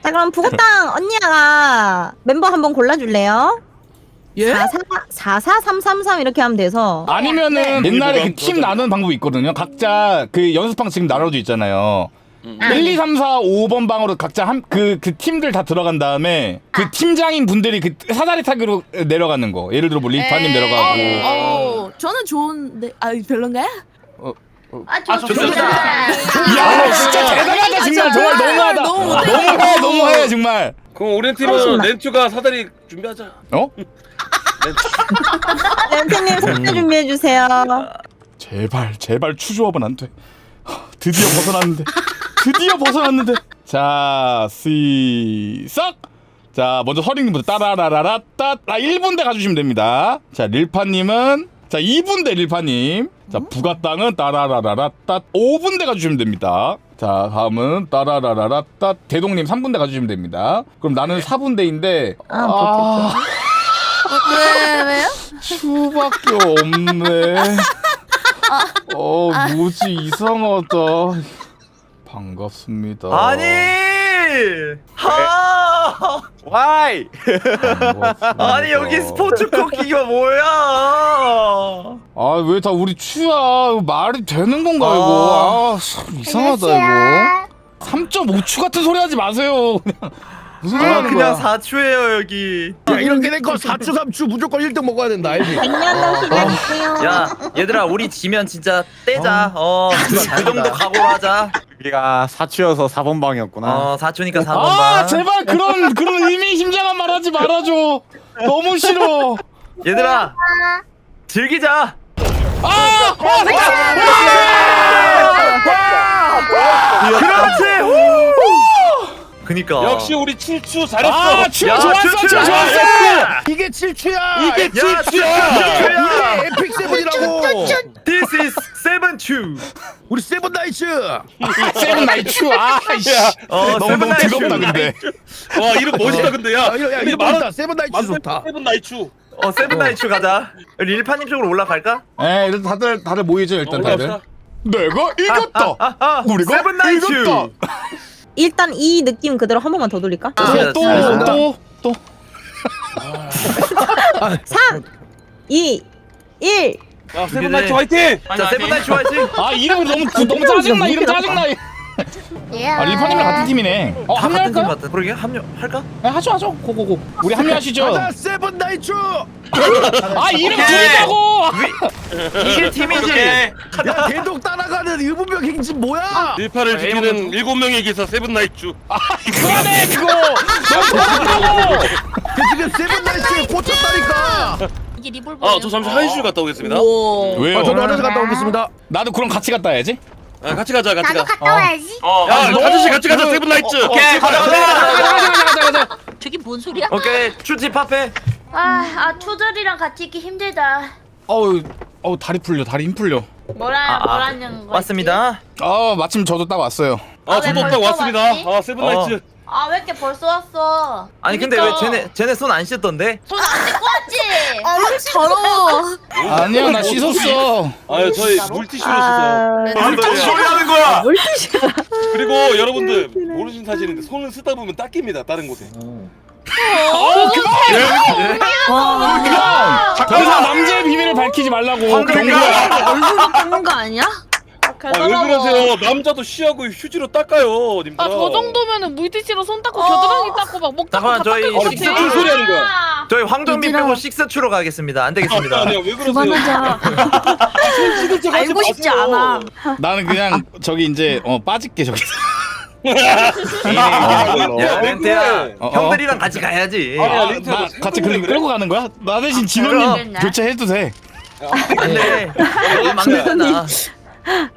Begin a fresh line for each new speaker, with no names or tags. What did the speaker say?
자 그럼 부고땅 언니가 멤버 한번 골라줄래요?
예?
44333 이렇게 하면 돼서.
아니면은 옛날에 그 팀 나누는 방법이 있거든요. 각자 그 연습방 지금 나눠져 있잖아요. 1, 2, 3, 4, 5번 방으로 각자 그 팀들 다 들어간 다음에 그 팀장인 분들이 그 사다리 타기로 내려가는 거. 예를 들어 뭐 리파님 내려가고.
저는 좋은데 별론가요?
좋습니다.
야 진짜 대단하다 정말 너무하다. 너무해 정말.
그럼 우리 팀은 렌투가 사다리 준비하자.
어?
렌트님 선물 준비해주세요.
제발 추조업은 안 돼. 드디어 벗어났는데. 자 시작. 자 먼저 서린님부터 따라라라따 1분대 가주시면 됩니다. 자 릴파님은 자 2분대 릴파님. 자 부가땅은 따라라라따 5분대 가주시면 됩니다. 자 다음은 따라라라따 대동님 3분대 가주시면 됩니다. 그럼 나는 4분대인데
왜요?
수밖에 없네. 뭐지 이상하다. 반갑습니다.
아니! 하! 와이!
반갑습니다.
아니 여기 스포츠 쿠키가 뭐야?
아 왜 다 우리 추야? 말이 되는 건가 이거? 참 이상하다 이거. 3.5추 같은 소리 하지 마세요. 그냥 무슨 소리 하는
그냥
거야?
4추예요 여기.
야 이렇게 된 거 4추 3추 무조건 1등 먹어야 된다 알지?
100년도 기다릴게요.
야 얘들아 우리 지면 진짜 떼자. 그 정도 각오로 하자.
우리가 4추여서 4번 방이었구나.
4추니까 4번
아
반.
제발 그런 의미심장한 말 하지 말아줘. 너무 싫어.
얘들아 즐기자. 그렇지. 그니까.
역시 우리 7추 잘했어.
아 추야 좋았어. 추야 좋았어.
이게 7추야!
이게 7추야.
이게 에픽 세븐이라고!
This is 7추.
우리 세븐 나이츠!
세븐 나이 추. 아이씨. 너무
세븐 나이츠.
뜨겁다 근데.
와 이름 멋있다 근데 야.
야 이거 맞다 세븐 나이츠 좋다.
세븐 나이추.
세븐 나이츠 가자. 릴파님 쪽으로 올라갈까?
에 일단 다들 모이죠 일단 다들.
올라갑시다.
내가 이겼다. 우리가
세븐 나이츠.
이겼다.
일단 이 느낌 그대로 한 번만 더 돌릴까?
또.
3, 2, 1.
야 세븐 나이츠 화이팅.
자 세븐 나이츠 화이팅.
아 이름 너무 짜증나. 이름 짜증나. 아 릴파님이랑 같은 팀이네.
같은 팀
합류할까?
같다. 그러게 합류할까?
네, 하죠. 고고고. 우리 합류하시죠.
가자 세븐 나이츠!
아 이름
오케이.
줄이자고.
이길 팀이지.
야 대독 따라가는 의문병 행진 뭐야?
일파를 지키는 7명의 기사 세븐 나이추.
그만해 그거. 너무
그 지금 세븐 나이츠에 꽂혔다니까!
이게 리볼버.
저 잠시 화장실 갔다 오겠습니다.
왜요?
저도 화장실 갔다 오겠습니다.
나도 그럼 같이 갔다 와야지.
같이 가자.
나도 갔다 와야지.
야 아저씨 같이 가자 세븐 나이츠.
오케이 가자.
저게 뭔 소리야?
오케이 추지 파페.
투들이랑 같이 있기 힘들다.
어우 다리 힘 풀려.
뭐라는 거지?
왔습니다.
마침 저도 딱 왔어요.
저도 딱
벌써
왔습니다.
왔지?
세븐 나이츠.
왜 이렇게 벌써 왔어?
아니 근데 왜 쟤네 손 안 씻던데?
손 안 씻고 왔지?
더러워.
아니야 나 씻었어.
저희 물티슈로 씻어요.
무슨 소리 하는 거야?
그리고 여러분들 모르신 사실인데 손을 쓰다 보면 닦입니다. 다른 곳에.
더 이상 남자의 비밀을 밝히지 말라고. 경고야.
얼굴 닦는 거 아니야?
왜 그러세요? 남자도 쉬하고 휴지로 닦아요, 님들.
저 정도면은 물티슈로 손 닦고 겨드랑이 닦고 막 목 닦고
잠깐만
다
저희
닦을 것
진짜
같아.
무슨 소리 하는 거야?
저희 황정민 빼고 식스추로 가겠습니다. 안 되겠습니다.
아니야 왜 그러세요?
그만하자.
손 씻을
알고 싶지 않아.
나는 그냥 저기 이제 빠질게 저기.
야 렌트야 형들이랑 같이 가야지.
아니야,
나
린트야,
같이 끌고 가는 거야? 나 대신 진호님
그럼.
교체해도 돼.
안돼. 막내잖아.